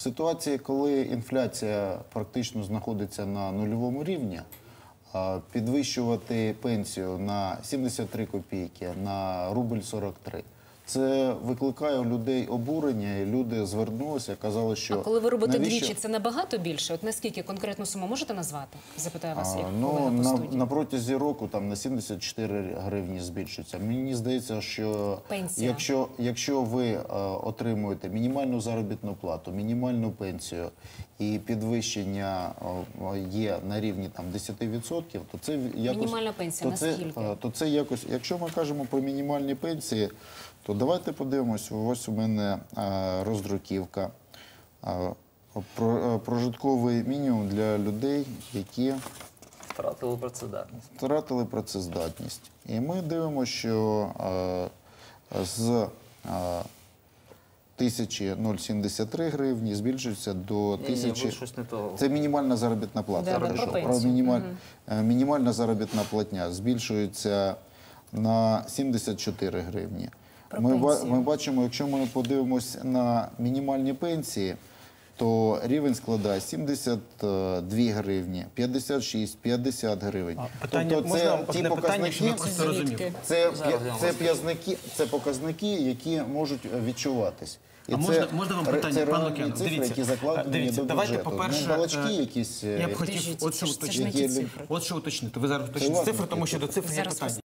Ситуації, коли інфляція практично знаходиться на нульовому рівні, підвищувати пенсію на 73 копійки, на рубль 43, це викликає у людей обурення, і люди звернулися, казали, що... А коли ви робите двічі, це набагато більше? От наскільки конкретну суму можете назвати? Запитаю вас, як колега по студії. На протязі року там на 74 гривні збільшується. Мені здається, що якщо ви отримуєте мінімальну заробітну плату, мінімальну пенсію і підвищення є на рівні там 10%, то це якось... Мінімальна пенсія наскільки? То це якось... Якщо ми кажемо про мінімальні пенсії, то давайте подивимось, ось у мене роздруківка. Прожитковий мінімум для людей, які втратили працездатність. І ми дивимося, що з 1073 гривні збільшується до 1000... Це мінімальна заробітна плата. Мінімальна заробітна платня збільшується на 74 гривні. Ми бачимо, якщо ми подивимось на мінімальні пенсії, то рівень складає 72 гривні, 56, 50 гривень. Тобто це ті показники, це показники, які можуть відчуватись. А можна вам питання, пан Лук'ян? Дивіться, давайте, по-перше, я б хотів от що уточнити. Ви зараз уточните цифри, тому що до цифр є питання.